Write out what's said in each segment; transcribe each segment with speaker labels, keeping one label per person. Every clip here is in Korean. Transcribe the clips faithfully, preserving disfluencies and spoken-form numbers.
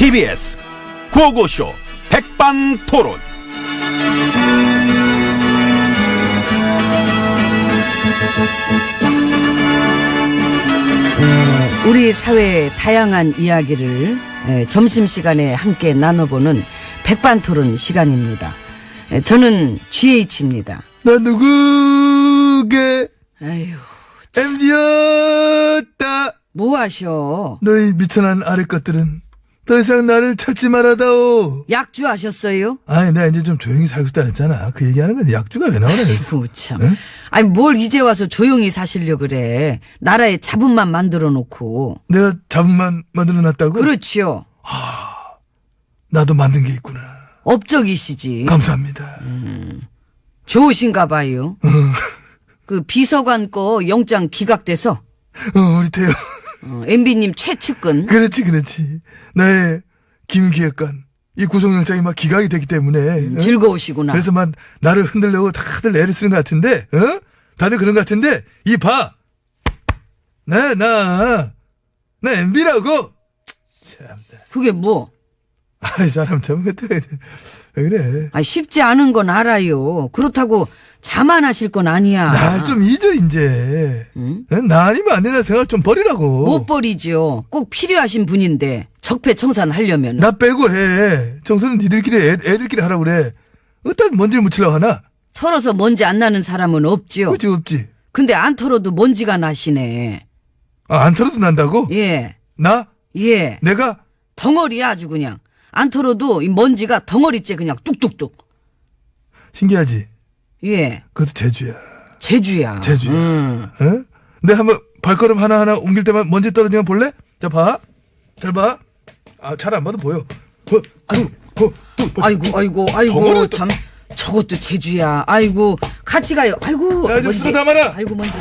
Speaker 1: 티비에스 구호고쇼 백반토론.
Speaker 2: 우리 사회의 다양한 이야기를 점심시간에 함께 나눠보는 백반토론 시간입니다. 저는 지에이치입니다.
Speaker 3: 나 누구게?
Speaker 2: 아휴,
Speaker 3: 엠비였다.
Speaker 2: 뭐 하셔?
Speaker 3: 너희 미천한 아래 것들은 더 이상 나를 찾지 말아다오.
Speaker 2: 약주 하셨어요?
Speaker 3: 아니, 내가 이제 좀 조용히 살고 싶다 그랬잖아. 그 얘기하는 건데 약주가 왜 나오냐.
Speaker 2: 아이고, 참.
Speaker 3: 응?
Speaker 2: 아니, 뭘 이제 와서 조용히 사시려 그래. 나라에 자본만 만들어 놓고.
Speaker 3: 내가 자본만 만들어 놨다고?
Speaker 2: 그렇지요.
Speaker 3: 나도 만든 게 있구나.
Speaker 2: 업적이시지.
Speaker 3: 감사합니다.
Speaker 2: 음, 좋으신가 봐요. 그 비서관 거 영장 기각돼서
Speaker 3: 어, 우리 태요.
Speaker 2: 어, 엠비님 최측근.
Speaker 3: 그렇지, 그렇지. 나의 김기획관. 이 구속영장이 막 기각이 되기 때문에.
Speaker 2: 음,
Speaker 3: 어?
Speaker 2: 즐거우시구나.
Speaker 3: 그래서 막 나를 흔들려고 다들 애를 쓰는 것 같은데, 어? 다들 그런 것 같은데, 이 봐! 나, 나, 나 엠비라고! 참나.
Speaker 2: 그게 뭐?
Speaker 3: 아이, 사람 참, 왜 그래.
Speaker 2: 아, 쉽지 않은 건 알아요. 그렇다고 자만하실 건 아니야.
Speaker 3: 날 좀 잊어, 이제.
Speaker 2: 응?
Speaker 3: 어? 나 아니면 안 된다 생각 좀 버리라고.
Speaker 2: 못 버리죠. 꼭 필요하신 분인데 적폐청산하려면.
Speaker 3: 나 빼고 해. 정서는 니들끼리 애, 애들끼리 하라고 그래. 어떤 먼지를 묻히려고 하나?
Speaker 2: 털어서 먼지 안 나는 사람은 없지요.
Speaker 3: 그지 없지.
Speaker 2: 근데 안 털어도 먼지가 나시네.
Speaker 3: 아, 안 털어도 난다고?
Speaker 2: 예.
Speaker 3: 나?
Speaker 2: 예.
Speaker 3: 내가?
Speaker 2: 덩어리야 아주 그냥. 안 털어도 이 먼지가 덩어리째 그냥 뚝뚝뚝.
Speaker 3: 신기하지?
Speaker 2: 예.
Speaker 3: 그것도 제주야.
Speaker 2: 제주야.
Speaker 3: 제주야.
Speaker 2: 음.
Speaker 3: 어? 내가 한번 발걸음 하나하나 옮길 때만 먼지 떨어지면 볼래? 자, 봐. 잘 봐. 아, 잘 안 봐도 보여. 어, 아이고, 어, 또, 뭐,
Speaker 2: 아이고, 아이고, 아이고,
Speaker 3: 덩어리도-
Speaker 2: 참. 저것도 제주야. 아이고, 같이 가요. 아이고.
Speaker 3: 야, 좀
Speaker 2: 먼지.
Speaker 3: 쓰다 담아라.
Speaker 2: 아이고, 먼지.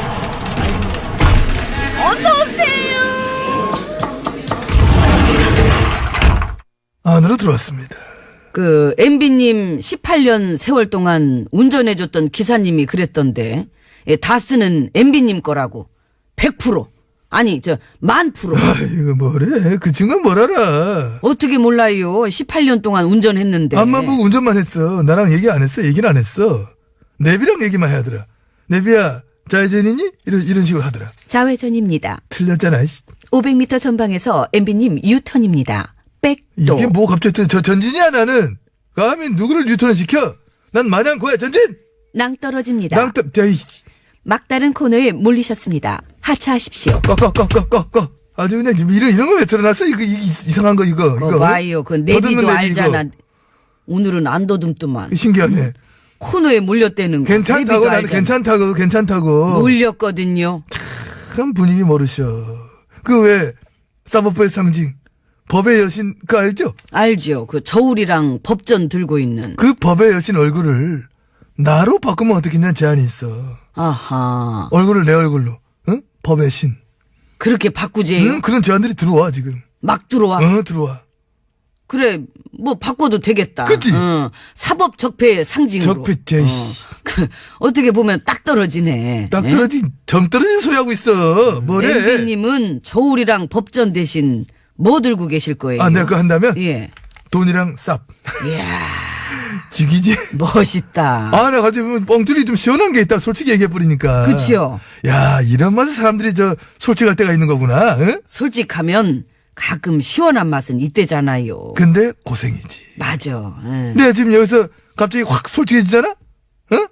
Speaker 3: 안으로 들어왔습니다.
Speaker 2: 그, 엠비님 십팔 년 세월 동안 운전해줬던 기사님이 그랬던데, 예, 다 쓰는 엠비님 거라고. 백 퍼센트. 아니, 저, 만 프로.
Speaker 3: 아이고, 뭐래. 그 친구는 뭘 알아.
Speaker 2: 어떻게 몰라요? 십팔 년 동안 운전했는데.
Speaker 3: 앞만 보고 운전만 했어. 나랑 얘기 안 했어. 얘기는 안 했어. 내비랑 얘기만 해야 하더라. 내비야, 좌회전이니? 이런, 이런 식으로 하더라.
Speaker 4: 좌회전입니다.
Speaker 3: 틀렸잖아, 이씨.
Speaker 4: 오백 미터 전방에서 엠비님 유턴입니다. 백도.
Speaker 3: 이게 뭐 갑자기 저 전진이야, 나는. 감히 누구를 뉴턴을 시켜? 난 마냥 고야, 전진!
Speaker 4: 낭떨어집니다.
Speaker 3: 낭떠, 자, 이씨.
Speaker 4: 막다른 코너에 몰리셨습니다. 하차하십시오.
Speaker 3: 꺼, 꺼, 꺼, 꺼, 꺼, 꺼. 아주 그냥 이런, 이런 거 왜 틀어놨어? 이거, 이, 이상한 거, 이거.
Speaker 2: 그거
Speaker 3: 이거.
Speaker 2: 봐요. 그
Speaker 3: 더듬는
Speaker 2: 내비도
Speaker 3: 내비,
Speaker 2: 알잖아.
Speaker 3: 이거.
Speaker 2: 오늘은 안 더듬더만.
Speaker 3: 신기하네.
Speaker 2: 코너에 몰렸다는 거.
Speaker 3: 괜찮다고,
Speaker 2: 내비도
Speaker 3: 나는
Speaker 2: 알잖아.
Speaker 3: 괜찮다고, 괜찮다고.
Speaker 2: 몰렸거든요.
Speaker 3: 참 분위기 모르셔. 그 왜, 사법부의 상징, 법의 여신, 그거 알죠?
Speaker 2: 알죠. 그 저울이랑 법전 들고 있는.
Speaker 3: 그 법의 여신 얼굴을 나로 바꾸면 어떻겠냐는 제안이 있어.
Speaker 2: 아하.
Speaker 3: 얼굴을 내 얼굴로, 응? 법의 신.
Speaker 2: 그렇게 바꾸재요?
Speaker 3: 응? 그런 제안들이 들어와, 지금.
Speaker 2: 막 들어와.
Speaker 3: 어, 들어와.
Speaker 2: 그래, 뭐 바꿔도 되겠다.
Speaker 3: 그치?
Speaker 2: 응. 사법 적폐의 상징으로.
Speaker 3: 적폐, 제,
Speaker 2: 어. 그, 어떻게 보면 딱 떨어지네.
Speaker 3: 딱 떨어진, 정 떨어진 소리 하고 있어. 뭐래?
Speaker 2: 엠비님은 저울이랑 법전 대신 뭐 들고 계실 거예요?
Speaker 3: 아, 내가 그거 한다면?
Speaker 2: 예.
Speaker 3: 돈이랑 쌉.
Speaker 2: 이야,
Speaker 3: 죽이지?
Speaker 2: 멋있다.
Speaker 3: 아, 나 가지고 뻥뚫이 좀 시원한 게 있다. 솔직히 얘기해버리니까.
Speaker 2: 그치요?
Speaker 3: 야, 이런 맛에 사람들이 저, 솔직할 때가 있는 거구나. 응?
Speaker 2: 솔직하면 가끔 시원한 맛은 이때잖아요.
Speaker 3: 근데 고생이지.
Speaker 2: 맞아. 응.
Speaker 3: 내가 지금 여기서 갑자기 확 솔직해지잖아? 어?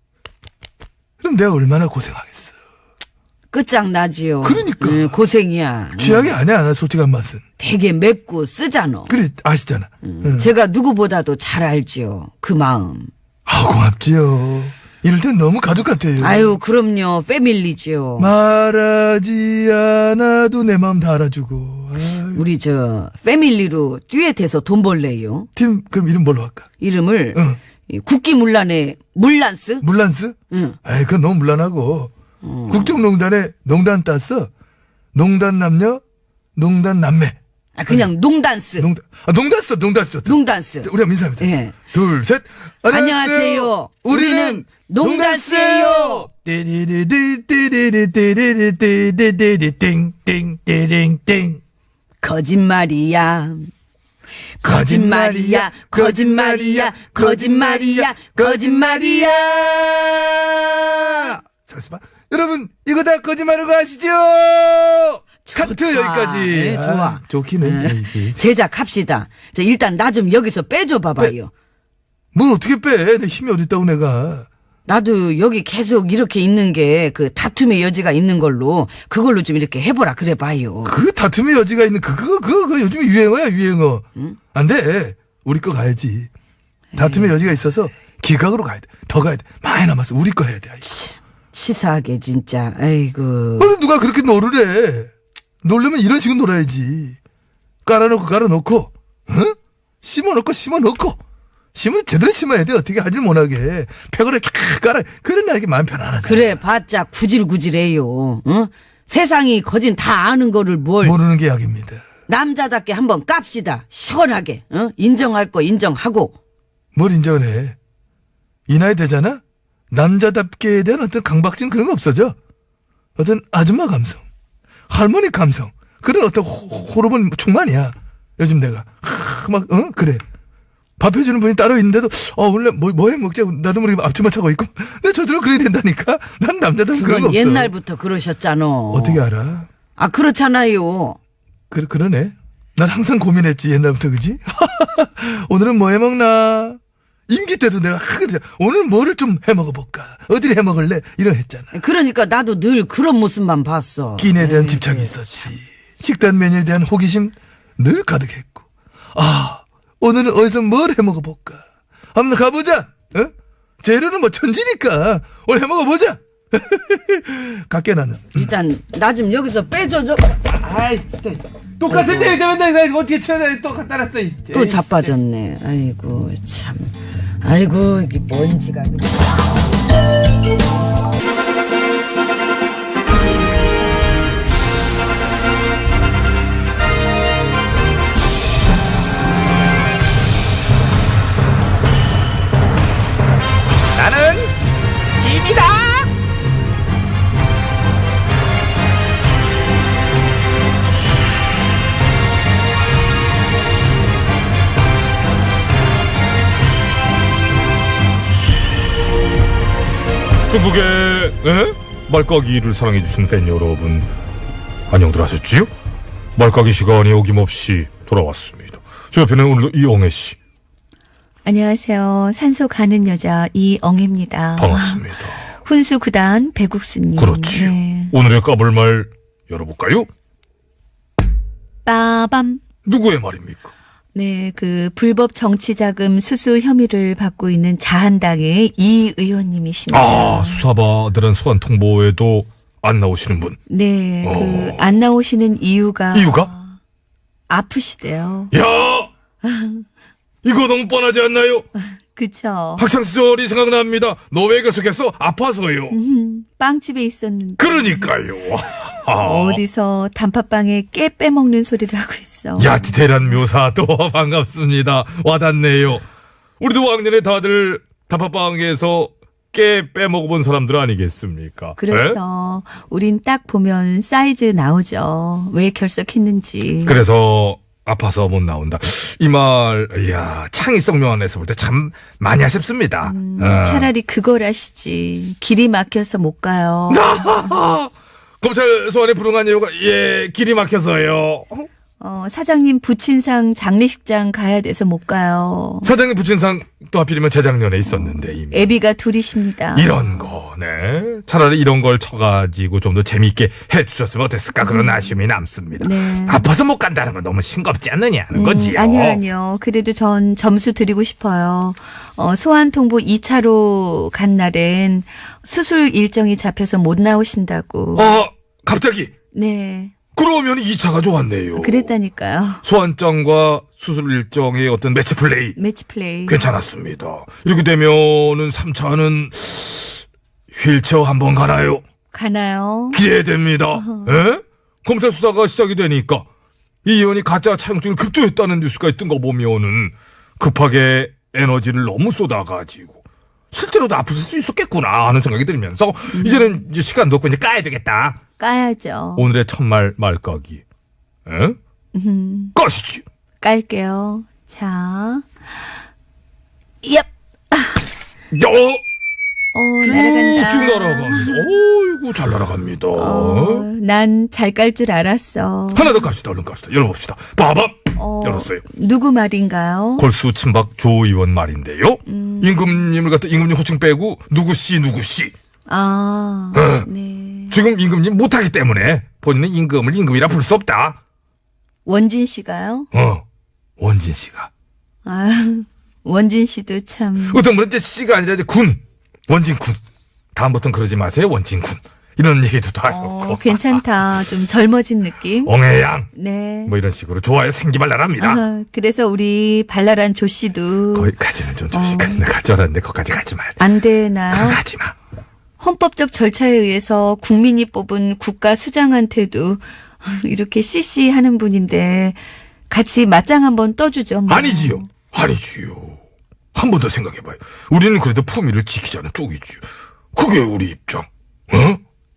Speaker 3: 그럼 내가 얼마나 고생하겠어.
Speaker 2: 끝장나지요.
Speaker 3: 그러니까.
Speaker 2: 응, 고생이야.
Speaker 3: 취향이 아니야, 나 솔직한 맛은.
Speaker 2: 되게 맵고 쓰잖아.
Speaker 3: 그래, 아시잖아. 응.
Speaker 2: 제가 누구보다도 잘 알지요. 그 마음.
Speaker 3: 아, 고맙지요. 이럴 땐 너무 가족 같아요.
Speaker 2: 아유, 그럼요. 패밀리지요.
Speaker 3: 말하지 않아도 내 마음 다 알아주고. 아유.
Speaker 2: 우리 저 패밀리로 듀엣해서 돈 벌래요.
Speaker 3: 팀, 그럼 이름 뭘로 할까?
Speaker 2: 이름을
Speaker 3: 응.
Speaker 2: 이 국기문란의 물란스?
Speaker 3: 물란스?
Speaker 2: 응.
Speaker 3: 아이, 그건 너무 물란하고. 국정농단에 농단 땄어. 농단 남녀, 농단 남매.
Speaker 2: 아, 그냥 농단스.
Speaker 3: 농단, 아, 농단스, 농단스.
Speaker 2: 농단스.
Speaker 3: 우리가 민사입니다.
Speaker 2: 예.
Speaker 3: 둘, 셋.
Speaker 2: 안녕하세요. 우리는 농단스예요.
Speaker 3: 띠리리리 띠리리 띠리리 띠리리 띠링 띵 띠링 띵.
Speaker 2: 거짓말이야. 거짓말이야, 거짓말이야, 거짓말이야, 거짓말이야.
Speaker 3: 잠시만. 여러분, 이거 다 거짓말인 거 아시죠? 카트 여기까지.
Speaker 2: 네, 좋아.
Speaker 3: 아, 좋긴 해.
Speaker 2: 네. 제작합시다. 자, 일단 나 좀 여기서 빼줘 봐봐요.
Speaker 3: 뭘 어떻게 빼? 내 힘이 어딨다고 내가.
Speaker 2: 나도 여기 계속 이렇게 있는 게 그 다툼의 여지가 있는 걸로 그걸로 좀 이렇게 해보라 그래 봐요.
Speaker 3: 그 다툼의 여지가 있는 그, 그거, 그거, 그거 요즘에 유행어야, 유행어. 응? 안 돼. 우리 거 가야지. 다툼의 여지가 있어서 기각으로 가야 돼. 더 가야 돼. 많이 남았어. 우리 거 해야 돼. 아이고.
Speaker 2: 치, 치사하게 진짜. 아이고.
Speaker 3: 아니, 누가 그렇게 놀을 해. 놀려면 이런 식으로 놀아야지. 깔아놓고 깔아놓고, 응? 심어놓고 심어놓고. 심은 제대로 심어야 돼. 어떻게 하질 못하게. 팩으로 캬 깔아. 그런 나에게 마음 편안하잖아.
Speaker 2: 그래 봤자 구질구질해요. 응? 세상이 거진 다 아는 거를 뭘.
Speaker 3: 모르는 게 약입니다.
Speaker 2: 남자답게 한번 깝시다. 시원하게. 응? 인정할 거 인정하고.
Speaker 3: 뭘 인정을 해. 이 나이 되잖아? 남자답게에 대한 어떤 강박증 그런 거 없어져. 어떤 아줌마 감성, 할머니 감성, 그런 어떤 호, 호르몬 충만이야. 요즘 내가. 하, 막, 어? 그래. 밥 해주는 분이 따로 있는데도, 어, 원래 뭐, 뭐 해 먹자. 나도 모르게 앞치마 차고 있고. 근데 저절로 그래야 된다니까? 난 남자답게 그런 거
Speaker 2: 그건
Speaker 3: 없어.
Speaker 2: 옛날부터 그러셨잖아.
Speaker 3: 어떻게 알아?
Speaker 2: 아, 그렇잖아요.
Speaker 3: 그, 그러네. 난 항상 고민했지, 옛날부터, 그지? 오늘은 뭐 해 먹나? 임기 때도 내가 하거든. 오늘 뭐를 좀 해 먹어볼까? 어디를 해 먹을래? 이런 했잖아.
Speaker 2: 그러니까 나도 늘 그런 모습만 봤어.
Speaker 3: 끼니에 대한
Speaker 2: 에이,
Speaker 3: 집착이 있었지. 식단 메뉴에 대한 호기심 늘 가득했고. 아, 오늘은 어디서 뭘 해 먹어볼까? 한번 가보자. 어? 재료는 뭐 천지니까 오늘 해 먹어보자. 갈게 나는.
Speaker 2: 일단 나 좀 여기서 빼줘. 줘.
Speaker 3: 아이 진짜 똑같은데 맨날 어떻게 쳐야 또 갖다 놨어.
Speaker 2: 또 자빠졌네. 아이고 참. 아이고 이게 먼지가.
Speaker 1: 나는 짐이다.
Speaker 5: 중국의 에? 말까기를 사랑해주신 팬 여러분 안녕들 하셨지요? 말까기 시간이 어김없이 돌아왔습니다. 저 옆에는 오늘도 이엉애씨
Speaker 4: 안녕하세요. 산소 가는 여자 이엉입니다.
Speaker 5: 반갑습니다.
Speaker 4: 훈수 구단 배국수님.
Speaker 5: 그렇지요.
Speaker 4: 네.
Speaker 5: 오늘의 까불 말 열어볼까요?
Speaker 4: 빠밤.
Speaker 5: 누구의 말입니까?
Speaker 4: 네, 그 불법 정치자금 수수 혐의를 받고 있는 자한당의 이 의원님이십니다.
Speaker 5: 아, 수사받으란 소환 통보에도 안 나오시는 분.
Speaker 4: 네,
Speaker 5: 어.
Speaker 4: 그 안 나오시는 이유가
Speaker 5: 이유가?
Speaker 4: 아프시대요.
Speaker 5: 야! 이거 너무 뻔하지 않나요?
Speaker 4: 그쵸.
Speaker 5: 학창시절이 생각납니다. 너 왜 계속했어? 아파서요.
Speaker 4: 음, 빵집에 있었는데.
Speaker 5: 그러니까요.
Speaker 4: 어디서 단팥빵에 깨 빼먹는 소리를 하고 있어.
Speaker 5: 야, 디테일한 묘사 또 반갑습니다. 와닿네요. 우리도 왕년에 다들 단팥빵에서 깨 빼먹어본 사람들 아니겠습니까?
Speaker 4: 그렇죠. 에? 우린 딱 보면 사이즈 나오죠. 왜 결석했는지.
Speaker 5: 그래서 아파서 못 나온다. 이 말, 이야, 창의성 면에서 볼 때 참 많이 아쉽습니다.
Speaker 4: 음,
Speaker 5: 어.
Speaker 4: 차라리 그걸 하시지. 길이 막혀서 못 가요.
Speaker 5: 검찰 소환에 불응한 이유가 예 길이 막혀서요.
Speaker 4: 어, 사장님 부친상 장례식장 가야 돼서 못 가요.
Speaker 5: 사장님 부친상 또 하필이면 재작년에 있었는데 이미.
Speaker 4: 애비가 둘이십니다.
Speaker 5: 이런 거, 네. 차라리 이런 걸 쳐가지고 좀 더 재미있게 해주셨으면 어땠을까 그런 아쉬움이 남습니다.
Speaker 4: 네.
Speaker 5: 아파서 못 간다는 건 너무 싱겁지 않느냐는
Speaker 4: 음,
Speaker 5: 거지요.
Speaker 4: 아니요, 아니요. 그래도 전 점수 드리고 싶어요. 어, 소환 통보 이 차로 간 날엔 수술 일정이 잡혀서 못 나오신다고.
Speaker 5: 어, 갑자기.
Speaker 4: 네.
Speaker 5: 그러면 이 차가 좋았네요.
Speaker 4: 그랬다니까요.
Speaker 5: 소환장과 수술 일정의 어떤 매치 플레이.
Speaker 4: 매치 플레이.
Speaker 5: 괜찮았습니다. 이렇게 되면은 삼 차는 휠체어 한번 가나요?
Speaker 4: 가나요?
Speaker 5: 기대됩니다. 에? 검찰 수사가 시작이 되니까 이 의원이 가짜 차용증을 급조했다는 뉴스가 있던 거 보면은 급하게 에너지를 너무 쏟아가지고 실제로도 아프실 수 있었겠구나 하는 생각이 들면서 음. 이제는 이제 시간도 없고 이제 까야 되겠다.
Speaker 4: 까야죠.
Speaker 5: 오늘의 첫말 말까기. 에?
Speaker 4: 음,
Speaker 5: 까시지.
Speaker 4: 깔게요. 자, 얍.
Speaker 5: 야,
Speaker 4: 어, 날아간다.
Speaker 5: 쭉 날아갑니다. 어이구, 잘 날아갑니다.
Speaker 4: 어, 난 잘 깔 줄 알았어.
Speaker 5: 하나 더 갑시다. 얼른 갑시다. 열어봅시다. 빠밤!
Speaker 4: 어,
Speaker 5: 열었어요.
Speaker 4: 누구 말인가요?
Speaker 5: 골수 친박 조 의원 말인데요.
Speaker 4: 음.
Speaker 5: 임금님을 갖다 임금님 호칭 빼고 누구씨 누구씨.
Speaker 4: 아,
Speaker 5: 어.
Speaker 4: 네.
Speaker 5: 지금 임금님 못하기 때문에 본인은 임금을 임금이라 부를 수 없다.
Speaker 4: 원진 씨가요?
Speaker 5: 어, 원진 씨가.
Speaker 4: 아, 원진 씨도 참.
Speaker 5: 어떤 분은 이제 씨가 아니라 이제 군. 원진 군. 다음부터는 그러지 마세요. 원진 군. 이런 얘기도 다
Speaker 4: 어,
Speaker 5: 하셨고.
Speaker 4: 괜찮다. 좀 젊어진 느낌.
Speaker 5: 엉애양.
Speaker 4: 네.
Speaker 5: 뭐 이런 식으로 좋아요. 생기발랄합니다.
Speaker 4: 아, 그래서 우리 발랄한 조 씨도
Speaker 5: 거기까지는 좀 조심.
Speaker 4: 어.
Speaker 5: 내가 갈 줄 알았는데 거기까지 가지 말.
Speaker 4: 안 되나요?
Speaker 5: 그럼 하지 마.
Speaker 4: 헌법적 절차에 의해서 국민이 뽑은 국가 수장한테도 이렇게 씨씨 하는 분인데 같이 맞짱 한번 떠주죠. 뭐.
Speaker 5: 아니지요. 아니지요. 한 번 더 생각해봐요. 우리는 그래도 품위를 지키자는 쪽이지요. 그게 우리 입장. 어?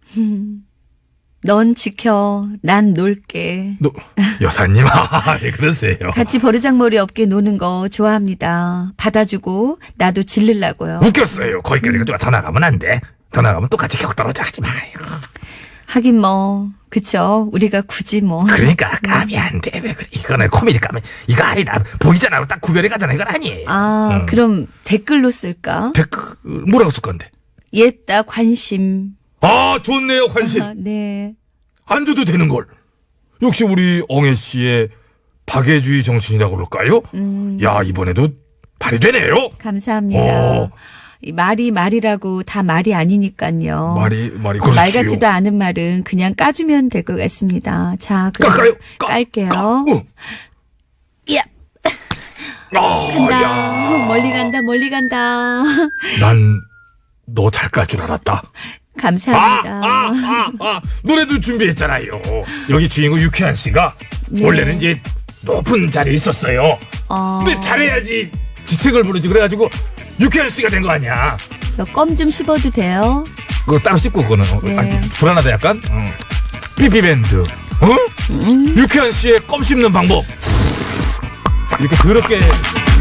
Speaker 4: 넌 지켜, 난 놀게.
Speaker 5: 너 여사님, 아, 왜 그러세요?
Speaker 4: 같이 버르장머리 없게 노는 거 좋아합니다. 받아주고 나도 질르려고요.
Speaker 5: 웃겼어요. 거기까지 가지고 더 나가면 안 돼. 더 나가면 똑같이 격 떨어져 하지 마요.
Speaker 4: 하긴 뭐 그쵸. 우리가 굳이 뭐.
Speaker 5: 그러니까 감이 안 돼. 왜 그래? 이거는 코미디 감이 이거 아니다. 보이잖아. 딱 구별이 가잖아. 이건 아니에요.
Speaker 4: 아,
Speaker 5: 음.
Speaker 4: 그럼 댓글로 쓸까?
Speaker 5: 댓글 뭐라고 쓸 건데?
Speaker 4: 옛다 관심.
Speaker 5: 아, 좋네요. 관심.
Speaker 4: 아, 네.
Speaker 5: 안 줘도 되는 걸. 역시 우리 엉애 씨의 박애주의 정신이라고 그럴까요?
Speaker 4: 음.
Speaker 5: 야, 이번에도 발휘되네요.
Speaker 4: 감사합니다.
Speaker 5: 어.
Speaker 4: 이 말이 말이라고 다 말이 아니니까요.
Speaker 5: 말이 말이 그렇지요.
Speaker 4: 말 같지도 않은 말은 그냥 까주면 될 것 같습니다. 자, 그럼
Speaker 5: 깎아요. 까,
Speaker 4: 깔게요.
Speaker 5: 까, 어.
Speaker 4: 야,
Speaker 5: 아,
Speaker 4: 간다.
Speaker 5: 야.
Speaker 4: 멀리 간다. 멀리 간다.
Speaker 5: 난 너 잘 깔 줄 알았다. 아,
Speaker 4: 감사합니다.
Speaker 5: 아, 아, 아. 노래도 준비했잖아요. 여기 주인공 유쾌한 씨가
Speaker 4: 네.
Speaker 5: 원래는 이제 높은 자리에 있었어요.
Speaker 4: 어,
Speaker 5: 근데 잘해야지 지책을 부르지. 그래가지고 유쾌한 씨가 된 거 아니야.
Speaker 4: 저 껌 좀 씹어도 돼요?
Speaker 5: 그거 따로 씹고 그거는 어,
Speaker 4: 네.
Speaker 5: 아니, 불안하다 약간. 응. 삐삐밴드. 어?
Speaker 4: 음.
Speaker 5: 유쾌한 씨의 껌 씹는 방법. 이렇게 그렇게